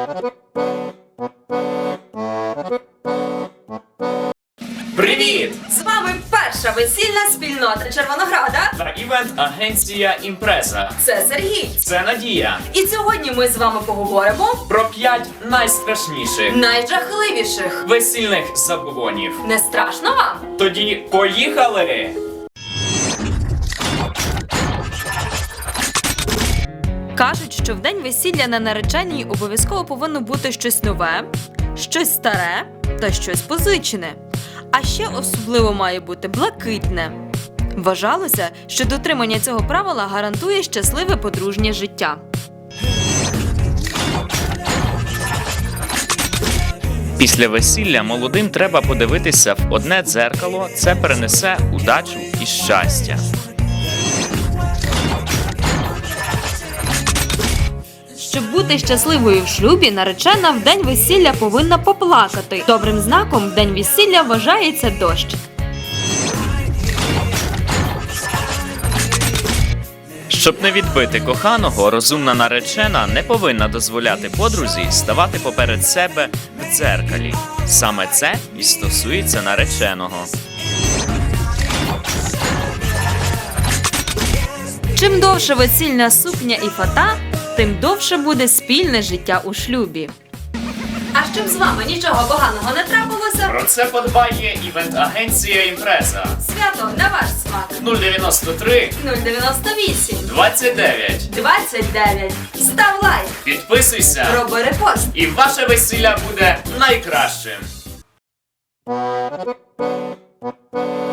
Привіт! З вами перша весільна спільнота Червонограда. Та івент-агенція «Імпреза». Це Сергій. Це Надія. І сьогодні ми з вами поговоримо Про 5 найстрашніших найжахливіших. весільних забобонів. Не страшно вам? Тоді поїхали! Кажуть, що в день весілля на нареченій обов'язково повинно бути щось нове, щось старе та щось позичене. А ще особливо має бути блакитне. Вважалося, що дотримання цього правила гарантує щасливе подружнє життя. Після весілля молодим треба подивитися в одне дзеркало, це принесе удачу і щастя. Щоб бути щасливою в шлюбі, наречена в день весілля повинна поплакати. Добрим знаком в день весілля вважається дощ. Щоб не відбити коханого, розумна наречена не повинна дозволяти подрузі ставати поперед себе в дзеркалі. Саме це і стосується нареченого. Чим довше весільна сукня і фата, тим довше буде спільне життя у шлюбі. А щоб з вами нічого поганого не трапилося, Про це подбає івент-агенція «Імпреза». свято на ваш смак. 093 098 29. 29. Став лайк, Підписуйся, роби репост. і ваше весілля буде найкращим.